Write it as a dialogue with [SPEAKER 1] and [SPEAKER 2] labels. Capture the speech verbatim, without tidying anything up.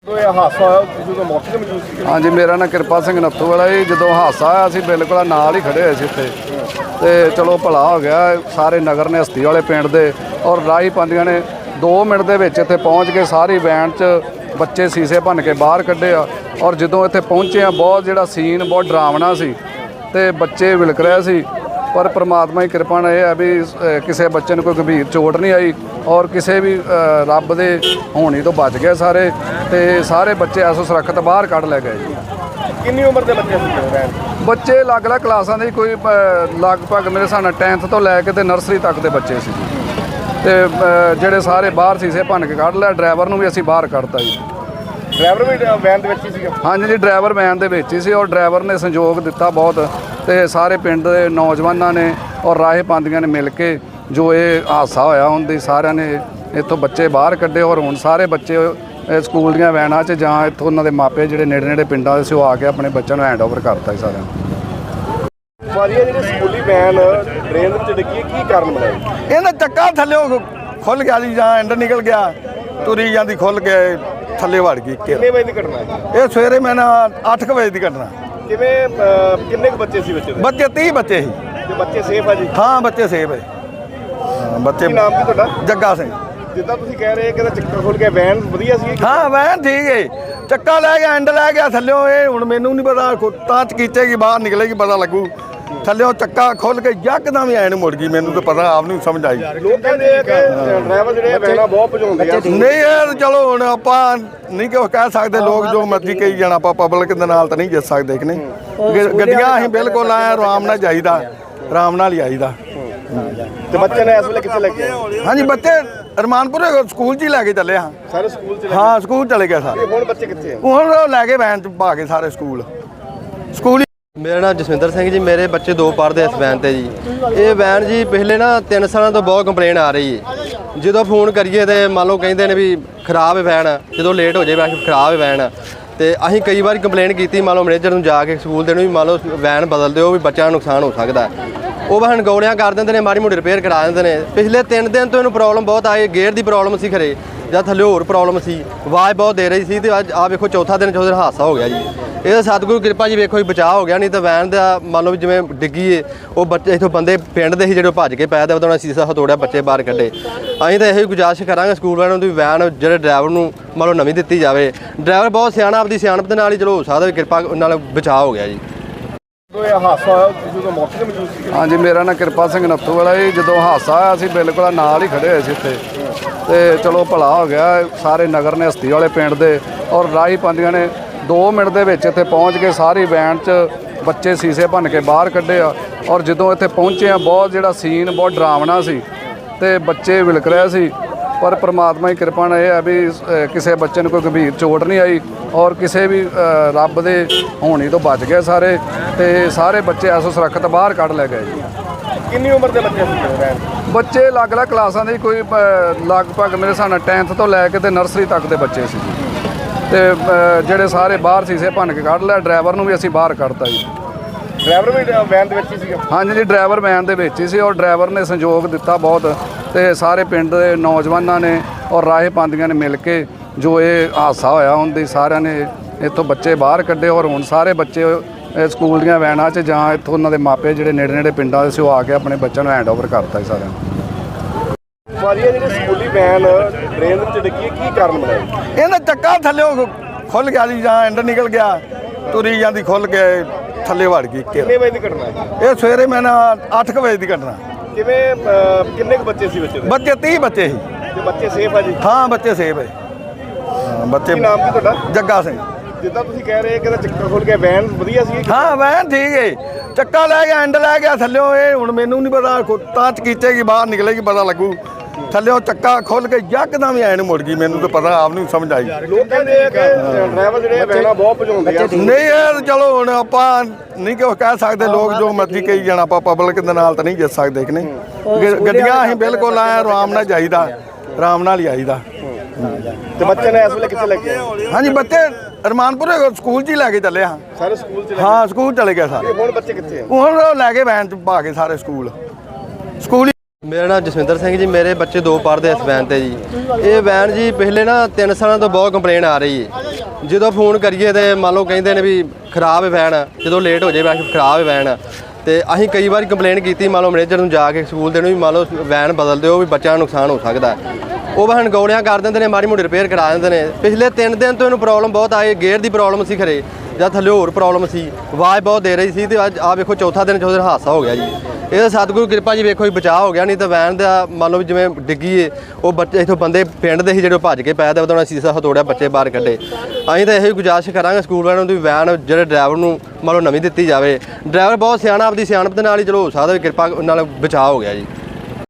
[SPEAKER 1] हादसा होया मौके ते मौजूद सी?
[SPEAKER 2] हाँ जी, मेरा नाम कृपा सिंह नत्थू वाला जी। जो हादसा आया असीं बिल्कुल नाल ही खड़े होए सी उत्थे ते चलो भला हो गया। सारे नगर ने हस्ती वाले पिंड दे और राही पांदियां ने दो मिनट दे विच इत्थे पहुँच के सारी वैन च बच्चे शीशे भन के बाहर कड्ढे आ। और जदों इत्थे पहुँचे बहुत जिहड़ा सीन बहुत डरावना सी ते बच्चे विलक रहे सी, पर परमात्मा की कृपा ने यह है भी किसी बच्चे को कोई गंभीर चोट नहीं आई और किसी भी रब दे होनी तो बच गए सारे ते सारे बच्चे ऐसो सुरक्षित बाहर कढ़ लै गए।
[SPEAKER 1] कितनी उम्र के बच्चे?
[SPEAKER 2] बच्चे अलग अलग क्लासां दे कोई लगभग मेरे हिसाब नाल टेंथ तो लैके ते नर्सरी तक के बच्चे सी ते ਜਿਹੜੇ ਸਾਰੇ ਬਾਹਰ ਸੀਸੇ ਭੰਨ ਕੇ ਕੱਢ ਲਿਆ। ਡਰਾਈਵਰ ਨੂੰ ਵੀ ਅਸੀਂ ਬਾਹਰ ਕੱਢਤਾ ਜੀ।
[SPEAKER 1] ਡਰਾਈਵਰ ਵੀ ਵੈਨ ਦੇ ਵਿੱਚ ਹੀ ਸੀਗਾ?
[SPEAKER 2] ਹਾਂਜੀ ਜੀ, ਡਰਾਈਵਰ ਵੈਨ ਦੇ ਵਿੱਚ ਹੀ ਸੀ ਔਰ ਡਰਾਈਵਰ ਨੇ ਸੰਯੋਗ ਦਿੱਤਾ ਬਹੁਤ ਤੇ ਸਾਰੇ ਪਿੰਡ ਦੇ ਨੌਜਵਾਨਾਂ ਨੇ ਔਰ ਰਾਹੇ ਪਾਂਦੀਆਂ ਨੇ ਮਿਲ ਕੇ ਜੋ ਇਹ ਹਾਦਸਾ ਹੋਇਆ ਉਹਦੀ ਸਾਰਿਆਂ ਨੇ ਇੱਥੋਂ ਬੱਚੇ ਬਾਹਰ ਕੱਢੇ ਔਰ ਹੁਣ ਸਾਰੇ ਬੱਚੇ ਸਕੂਲ ਦੀਆਂ ਵੈਨਾਂ 'ਚ ਜਾਂ ਇੱਥੋਂ ਉਹਨਾਂ ਦੇ ਮਾਪੇ ਜਿਹੜੇ ਨੇੜੇ ਨੇੜੇ ਪਿੰਡਾਂ ਦੇ ਸੀ ਉਹ ਆ ਕੇ ਆਪਣੇ ਬੱਚਿਆਂ ਨੂੰ ਹੈਂਡ ਓਵਰ ਕਰਤਾ ਸਾਰਿਆਂ ਨੂੰ।
[SPEAKER 1] ਵਾਰੀਆ ਜਿਹੜੀ ਸਕੂਲੀ ਵੈਨ ਟ੍ਰੇਨ ਵਿੱਚ ਡਿੱਗੀ ਕੀ ਕਾਰਨ ਬਣਿਆ?
[SPEAKER 3] ਇਹਦਾ ਚੱਕਾ ਥੱਲੇ ਖੁੱਲ ਗਿਆ ਜੀ, ਜਾਂ ਐਂਡ ਨਿਕਲ ਗਿਆ, ਤੁਰੀ ਜਾਂਦੀ ਖੁੱਲ ਕੇ ਥੱਲੇ ਵੜ ਗਈ।
[SPEAKER 1] ਕਿੰਨੇ ਵਜੇ ਦੀ ਘਟਨਾ ਹੈ
[SPEAKER 3] ਇਹ? ਸਵੇਰੇ ਮੈਂ ਨਾ ਅੱਠ ਕੁ ਵਜੇ ਦੀ ਘਟਨਾ।
[SPEAKER 1] ਕਿਵੇਂ ਕਿੰਨੇ ਕੁ ਬੱਚੇ ਸੀ ਬੱਚੇ ਦੇ?
[SPEAKER 3] ਬੱਚੇ ਤੀਹ ਬੱਚੇ ਸੀ।
[SPEAKER 1] ਤੇ ਬੱਚੇ ਸੇਫ ਆ ਜੀ?
[SPEAKER 3] ਹਾਂ, ਬੱਚੇ ਸੇਫ ਹੈ। ਬੱਚੇ।
[SPEAKER 1] ਕੀ ਨਾਮ ਕੀ ਤੁਹਾਡਾ?
[SPEAKER 3] ਜੱਗਾ ਸਿੰਘ।
[SPEAKER 1] ਜਿੱਦਾਂ ਤੁਸੀਂ ਕਹਿ ਰਹੇ ਕਿ ਚੱਕਰ ਖੁੱਲ ਗਿਆ, ਵੈਨ ਵਧੀਆ ਸੀ?
[SPEAKER 3] ਹਾਂ, ਵੈਨ ਠੀਕ ਹੈ। ਚੱਕਾ ਲੈ ਗਿਆ, ਐਂਡ ਲੈ ਗਿਆ ਥੱਲਿਓਂ। ਇਹ ਹੁਣ ਮੈਨੂੰ ਨਹੀਂ ਪਤਾ, ਤਾਂ ਚਕੀਚੇਗੀ ਬਾਹਰ ਨਿਕਲੇਗੀ ਪਤਾ ਲੱਗੂ। ਥੱਲਿਓਂ ਚੱਕਾ ਖੁੱਲ ਕੇ ਯਕਦਮ ਹੀ ਐਨ ਮੁੜ ਗਈ। ਮੈਨੂੰ ਤਾਂ ਪਤਾ ਆਪ ਨਹੀਂ ਸਮਝ ਆਈ।
[SPEAKER 1] ਲੋਕ ਕਹਿੰਦੇ ਆ ਕਿ ਡਰਾਈਵਰ ਜਿਹੜੇ ਵੈਨਾਂ ਬਹੁਤ ਭਜਾਉਂਦੇ ਆ।
[SPEAKER 3] ਨਹੀਂ ਯਾਰ, ਚਲੋ ਹੁਣ ਆਪਾਂ ਨਹੀਂ ਕਿ ਕਹਿ ਸਕਦੇ, ਲੋਕ ਜੋ ਮਰਜ਼ੀ ਕਹੀ ਜਾਣਾ, ਆਪਾਂ ਪਬਲਿਕ ਦੇ ਨਾਲ ਤਾਂ ਨਹੀਂ ਜਿੱਤ ਸਕਦੇ ਕਿ ਨਹੀਂ। ਗੱਡੀਆਂ ਅਸੀਂ ਬਿਲਕੁਲ ਆਏ ਆਰਾਮ ਨਾਲ ਜਾਈਦਾ, ਆਰਾਮ ਨਾਲ ਹੀ ਆਈਦਾ।
[SPEAKER 1] ਤੇ ਬੱਚੇ ਨੇ ਇਸ ਵੇਲੇ ਕਿੱਥੇ ਲੱਗੇ?
[SPEAKER 3] ਹਾਂਜੀ, ਬੱਚੇ ਰਮਾਨਪੁਰ ਸਕੂਲ 'ਚ ਹੀ ਲੈ ਕੇ ਚੱਲੇ ਹਾਂ।
[SPEAKER 1] ਸਾਰੇ ਸਕੂਲ 'ਚ?
[SPEAKER 3] ਹਾਂ, ਸਕੂਲ ਚਲੇ ਗਏ ਸਾਰੇ।
[SPEAKER 1] ਹੁਣ ਬੱਚੇ ਕਿੱਥੇ ਆ?
[SPEAKER 3] ਹੁਣ ਉਹ ਲੈ ਕੇ ਵੈਨ 'ਚ ਪਾ ਕੇ ਸਾਰੇ ਸਕੂਲ ਸਕੂਲ।
[SPEAKER 4] ਮੇਰਾ ਨਾਮ ਜਸਵਿੰਦਰ ਸਿੰਘ ਜੀ। ਮੇਰੇ ਬੱਚੇ ਦੋ ਪੜ੍ਹਦੇ ਇਸ ਵੈਨ ਤੇ ਜੀ। ਇਹ ਵੈਨ ਜੀ ਪਿਛਲੇ ਨਾ ਤਿੰਨ ਸਾਲਾਂ ਤੋਂ ਬਹੁਤ ਕੰਪਲੇਨ ਆ ਰਹੀ ਹੈ। ਜਦੋਂ ਫੋਨ ਕਰੀਏ ਤੇ ਮੰਨ ਲਓ ਕਹਿੰਦੇ ਨੇ ਵੀ ਖਰਾਬ ਹੈ ਵੈਨ, ਜਦੋਂ ਲੇਟ ਹੋ ਜਾਏ ਵੈਸੇ ਖਰਾਬ ਹੈ ਵੈਨ। ਤੇ ਅਸੀਂ ਕਈ ਵਾਰ ਕੰਪਲੇਨ ਕੀਤੀ ਮੰਨ ਲਓ ਮੈਨੇਜਰ ਨੂੰ ਜਾ ਕੇ ਸਕੂਲ ਦੇ ਨੂੰ ਵੀ ਮੰਨ ਲਓ ਵੈਨ ਬਦਲ ਦਿਓ ਵੀ ਬੱਚਿਆਂ ਨੂੰ ਨੁਕਸਾਨ ਹੋ ਸਕਦਾ। ਉਹ ਬਸ ਗੋਲੀਆਂ ਕਰ ਦਿੰਦੇ ਨੇ, ਮਾੜੀ ਮੋਟੀ ਰਿਪੇਅਰ ਕਰਾ ਦਿੰਦੇ ਨੇ। ਪਿਛਲੇ ਤਿੰਨ ਦਿਨ ਤੋਂ ਇਹਨੂੰ ਪ੍ਰੋਬਲਮ ਬਹੁਤ ਆਈ। ਗੇਅਰ ਦੀ ਪ੍ਰੋਬਲਮ ਸੀ ਖਰੇ ਜਾਂ ਥੱਲੇ ਹੋਰ ਪ੍ਰੋਬਲਮ ਸੀ, ਆਵਾਜ਼ ਬਹੁਤ ਦੇ ਰਹੀ ਸੀ। ਤੇ ਅੱਜ ਆ ਵੇਖੋ ਚੌਥਾ ਦਿਨ ਚੌਥੇ ਦਿਨ ਹਾਦਸਾ ਹੋ ਗਿਆ ਜੀ। ਇਹਦਾ ਸਤਿਗੁਰੂ ਕਿਰਪਾ ਜੀ ਵੇਖੋ ਜੀ ਬਚਾਅ ਹੋ ਗਿਆ, ਨਹੀਂ ਤਾਂ ਵੈਨ ਦਾ ਮੰਨ ਲਓ ਜਿਵੇਂ ਡਿੱਗੀ ਏ ਉਹ ਬੱਚੇ ਇੱਥੋਂ ਬੰਦੇ ਪਿੰਡ ਦੇ ਸੀ ਜਿਹੜੇ ਭੱਜ ਕੇ ਪੈ ਤੇ ਉਹਦਾ ਸੀਸਾ ਹਤੋੜਿਆ, ਬੱਚੇ ਬਾਹਰ ਕੱਢੇ। ਅਸੀਂ ਤਾਂ ਇਹੋ ਗੁਜ਼ਾਰਿਸ਼ ਕਰਾਂਗੇ ਸਕੂਲ ਵਾਲਿਆਂ ਨੂੰ ਵੀ ਵੈਨ ਜਿਹੜੇ ਡਰਾਈਵਰ ਨੂੰ ਮੰਨ ਲਓ ਨਵੀਂ ਦਿੱਤੀ ਜਾਵੇ। ਡਰਾਈਵਰ ਬਹੁਤ ਸਿਆਣਾ, ਆਪਦੀ ਸਿਆਣਪ ਦੇ ਨਾਲ ਹੀ ਚਲੋ ਹੋ ਸਕਦਾ ਵੀ ਕਿਰਪਾ ਨਾਲ ਬਚਾਅ ਹੋ ਗਿਆ ਜੀ।
[SPEAKER 1] ਇਹ ਹਾਦਸਾ ਹੋਇਆ ਜਦੋਂ ਮੌਕੇ ਤੇ ਮੌਜੂਦ ਸੀ?
[SPEAKER 2] हाँ जी, मेरा नाम कृपा सिंह नत्थू वाला जी। जो हादसा आया असीं बिल्कुल नाल ही खड़े होए सी उत्थे ते चलो भला हो गया। सारे नगर ने हस्ती वाले पिंड दे और राही पांदियां ने दो मिनट दे विच इत्थे पहुँच के सारी वैन च बच्चे शीशे भन के बाहर कड्ढे आ। और जदों इत्थे पहुँचे बहुत जिहड़ा सीन बहुत डरावना सी ते बच्चे विलक रहे सी, पर परमात्मा की कृपा ने यह है भी किसी बच्चे को कोई गंभीर चोट नहीं आई और किसी भी रब दे होनी तो बच गए सारे ते सारे बच्चे ऐसो सुरक्षित बाहर कढ़ लै गए।
[SPEAKER 1] कितनी उम्र के बच्चे सी?
[SPEAKER 2] बच्चे अलग अलग क्लासां दे कोई लगभग मेरे हिसाब नाल टेंथ तो लैके ते नर्सरी तक के बच्चे सी ते ਜਿਹੜੇ ਸਾਰੇ ਬਾਹਰ ਸੀਸੇ ਭੰਨ ਕੇ ਕੱਢ ਲਿਆ। ਡਰਾਈਵਰ ਨੂੰ ਵੀ ਅਸੀਂ ਬਾਹਰ ਕੱਢਤਾ ਜੀ।
[SPEAKER 1] ਡਰਾਈਵਰ ਵੀ ਵੈਨ ਦੇ ਵਿੱਚ ਹੀ ਸੀਗਾ?
[SPEAKER 2] ਹਾਂਜੀ ਜੀ, ਡਰਾਈਵਰ ਵੈਨ ਦੇ ਵਿੱਚ ਹੀ ਸੀ ਔਰ ਡਰਾਈਵਰ ਨੇ ਸੰਯੋਗ ਦਿੱਤਾ ਬਹੁਤ ਤੇ ਸਾਰੇ ਪਿੰਡ ਦੇ ਨੌਜਵਾਨਾਂ ਨੇ ਔਰ ਰਾਹੇ ਪਾਂਦੀਆਂ ਨੇ ਮਿਲ ਕੇ ਜੋ ਇਹ ਹਾਦਸਾ ਹੋਇਆ ਉਹਦੀ ਸਾਰਿਆਂ ਨੇ ਇੱਥੋਂ ਬੱਚੇ ਬਾਹਰ ਕੱਢੇ ਔਰ ਹੁਣ ਸਾਰੇ ਬੱਚੇ ਸਕੂਲ ਦੀਆਂ ਵੈਨਾਂ 'ਚ ਜਾਂ ਇੱਥੋਂ ਉਹਨਾਂ ਦੇ ਮਾਪੇ ਜਿਹੜੇ ਨੇੜੇ ਨੇੜੇ ਪਿੰਡਾਂ ਦੇ ਸੀ ਉਹ ਆ ਕੇ ਆਪਣੇ ਬੱਚਿਆਂ ਨੂੰ ਹੈਂਡ ਓਵਰ ਕਰਤਾ ਜੀ ਸਾਰਿਆਂ ਨੂੰ।
[SPEAKER 1] ਵਾਰੀਆ ਜਿਹੜੀ ਸਕੂਲੀ ਵੈਨ ਟ੍ਰੇਨ ਵਿੱਚ ਡਿੱਗੀ ਕੀ ਕਾਰਨ ਬਣਿਆ?
[SPEAKER 3] ਇਹਦਾ ਚੱਕਾ ਥੱਲੇ ਖੁੱਲ ਗਿਆ ਜੀ, ਜਾਂ ਐਂਡ ਨਿਕਲ ਗਿਆ, ਤੁਰੀ ਜਾਂਦੀ ਖੁੱਲ ਕੇ ਥੱਲੇ ਵੜ ਗਈ।
[SPEAKER 1] ਕਿੰਨੇ ਵਜੇ ਦੀ ਘਟਨਾ ਹੈ?
[SPEAKER 3] ਇਹ ਸਵੇਰੇ ਮੈਂ ਨਾ ਅੱਠ ਕੁ ਵਜੇ ਦੀ ਘਟਨਾ।
[SPEAKER 1] ਕਿਵੇਂ ਕਿੰਨੇ ਕੁ ਬੱਚੇ ਸੀ ਬੱਚੇ ਦੇ?
[SPEAKER 3] ਬੱਚੇ ਤੀਹ ਬੱਚੇ ਸੀ।
[SPEAKER 1] ਤੇ ਬੱਚੇ ਸੇਫ ਆ ਜੀ?
[SPEAKER 3] ਹਾਂ, ਬੱਚੇ ਸੇਫ ਹੈ। ਬੱਚੇ।
[SPEAKER 1] ਕੀ ਨਾਮ ਕੀ ਤੁਹਾਡਾ?
[SPEAKER 3] ਜੱਗਾ ਸਿੰਘ।
[SPEAKER 1] ਜਿੱਦਾਂ ਤੁਸੀਂ ਕਹਿ ਰਹੇ ਕਿ ਚੱਕਰ ਖੁੱਲ ਗਿਆ, ਵੈਨ ਵਧੀਆ ਸੀ?
[SPEAKER 3] ਹਾਂ, ਵੈਨ ਠੀਕ ਹੈ। ਚੱਕਾ ਲੈ ਗਿਆ, ਐਂਡ ਲੈ ਗਿਆ ਥੱਲਿਓਂ। ਇਹ ਹੁਣ ਮੈਨੂੰ ਨਹੀਂ ਪਤਾ, ਤਾਂ ਚਕੀਚੇਗੀ ਬਾਹਰ ਨਿਕਲੇਗੀ ਪਤਾ ਲੱਗੂ। ਥੱਲਿਓਂ ਚੱਕਾ ਖੁੱਲ ਕੇ ਯਕਦਮ ਹੀ ਐਨ ਮੁੜ ਗਈ। ਮੈਨੂੰ ਤਾਂ ਪਤਾ ਆਪ ਨਹੀਂ ਸਮਝ ਆਈ।
[SPEAKER 1] ਲੋਕ ਕਹਿੰਦੇ ਆ ਕਿ ਡਰਾਈਵਰ ਜਿਹੜੇ ਵੈਨਾਂ ਬਹੁਤ ਭਜਾਉਂਦੇ ਆ।
[SPEAKER 3] ਨਹੀਂ ਯਾਰ, ਚਲੋ ਹੁਣ ਆਪਾਂ ਨਹੀਂ ਕਿ ਕਹਿ ਸਕਦੇ, ਲੋਕ ਜੋ ਮਰਜ਼ੀ ਕਹੀ ਜਾਣਾ, ਆਪਾਂ ਪਬਲਿਕ ਦੇ ਨਾਲ ਤਾਂ ਨਹੀਂ ਜਿੱਤ ਸਕਦੇ ਕਿ ਨਹੀਂ। ਗੱਡੀਆਂ ਅਸੀਂ ਬਿਲਕੁਲ ਆਏ ਆਰਾਮ ਨਾਲ ਜਾਈਦਾ, ਆਰਾਮ ਨਾਲ ਹੀ ਆਈਦਾ।
[SPEAKER 1] ਤੇ ਬੱਚੇ ਨੇ ਇਸ ਵੇਲੇ ਕਿੱਥੇ ਲੱਗੇ?
[SPEAKER 3] ਹਾਂਜੀ, ਬੱਚੇ ਰਮਾਨਪੁਰ ਸਕੂਲ 'ਚ ਹੀ ਲੈ ਕੇ ਚੱਲੇ ਹਾਂ।
[SPEAKER 1] ਸਾਰੇ ਸਕੂਲ 'ਚ?
[SPEAKER 3] ਹਾਂ, ਸਕੂਲ ਚਲੇ ਗਏ ਸਾਰੇ।
[SPEAKER 1] ਹੁਣ ਬੱਚੇ ਕਿੱਥੇ ਆ?
[SPEAKER 3] ਹੁਣ ਉਹ ਲੈ ਕੇ ਵੈਨ 'ਚ ਪਾ ਕੇ ਸਾਰੇ ਸਕੂਲ ਸਕੂਲ।
[SPEAKER 4] ਮੇਰਾ ਨਾਮ ਜਸਵਿੰਦਰ ਸਿੰਘ ਜੀ। ਮੇਰੇ ਬੱਚੇ ਦੋ ਪੜ੍ਹਦੇ ਇਸ ਵੈਨ ਤੇ ਜੀ। ਇਹ ਵੈਨ ਜੀ ਪਿਛਲੇ ਨਾ ਤਿੰਨ ਸਾਲਾਂ ਤੋਂ ਬਹੁਤ ਕੰਪਲੇਨ ਆ ਰਹੀ ਹੈ। ਜਦੋਂ ਫੋਨ ਕਰੀਏ ਤੇ ਮੰਨ ਲਓ ਕਹਿੰਦੇ ਨੇ ਵੀ ਖਰਾਬ ਹੈ ਵੈਨ, ਜਦੋਂ ਲੇਟ ਹੋ ਜਾਏ ਵੈਸੇ ਖਰਾਬ ਹੈ ਵੈਨ। ਤੇ ਅਸੀਂ ਕਈ ਵਾਰ ਕੰਪਲੇਂਟ ਕੀਤੀ ਮੰਨ ਲਓ ਮੈਨੇਜਰ ਨੂੰ ਜਾ ਕੇ ਸਕੂਲ ਦੇ ਨੂੰ ਵੀ ਮੰਨ ਲਓ ਵੈਨ ਬਦਲ ਦਿਓ ਵੀ ਬੱਚਿਆਂ ਨੂੰ ਨੁਕਸਾਨ ਹੋ ਸਕਦਾ। ਉਹ ਵਾਹਨ ਗੌਲਿਆਂ ਕਰ ਦਿੰਦੇ ਨੇ, ਮਾੜੀ ਮੋਟੀ ਰਿਪੇਅਰ ਕਰਾ ਦਿੰਦੇ ਨੇ। ਪਿਛਲੇ ਤਿੰਨ ਦਿਨ ਤੋਂ ਇਹਨੂੰ ਪ੍ਰੋਬਲਮ ਬਹੁਤ ਆਈ, ਗੇਅਰ ਦੀ ਪ੍ਰੋਬਲਮ ਸੀ ਖਰੇ ਜਾਂ ਥੱਲੇ ਹੋਰ ਪ੍ਰੋਬਲਮ ਸੀ, ਆਵਾਜ਼ ਬਹੁਤ ਦੇ ਰਹੀ ਸੀ। ਤੇ ਅੱਜ ਆ ਵੇਖੋ ਚੌਥਾ ਦਿਨ ਚੌਥੇ ਦਿਨ ਹਾਦਸਾ ਹੋ ਗਿਆ ਜੀ। ਇਹਦਾ ਸਤਿਗੁਰੂ ਕਿਰਪਾ ਜੀ ਵੇਖੋ ਜੀ ਬਚਾਅ ਹੋ ਗਿਆ, ਨਹੀਂ ਤਾਂ ਵੈਨ ਦਾ ਮੰਨ ਲਓ ਵੀ ਜਿਵੇਂ ਡਿੱਗੀ ਏ ਉਹ ਬੱਚੇ ਇੱਥੋਂ ਬੰਦੇ ਪਿੰਡ ਦੇ ਸੀ ਜਿਹੜੇ ਭੱਜ ਕੇ ਪਏ ਤੇ ਉਹਦਾ ਸੀਸਾ ਹਤੋੜਿਆ, ਬੱਚੇ ਬਾਹਰ ਕੱਢੇ। ਅਸੀਂ ਤਾਂ ਇਹੋ ਹੀ ਗੁਜ਼ਾਰਿਸ਼ ਕਰਾਂਗੇ ਸਕੂਲ ਵਾਲਿਆਂ ਨੂੰ ਵੀ ਵੈਨ ਜਿਹੜੇ ਡਰਾਈਵਰ ਨੂੰ ਮੰਨ ਲਓ ਨਵੀਂ ਦਿੱਤੀ ਜਾਵੇ। ਡਰਾਈਵਰ ਬਹੁਤ ਸਿਆਣਾ, ਆਪਦੀ ਸਿਆਣਪ ਦੇ ਨਾਲ ਹੀ ਚਲੋ ਹੋ ਸਕਦਾ ਵੀ ਕਿਰਪਾ ਨਾਲ ਬਚਾਅ ਹੋ ਗਿਆ ਜੀ।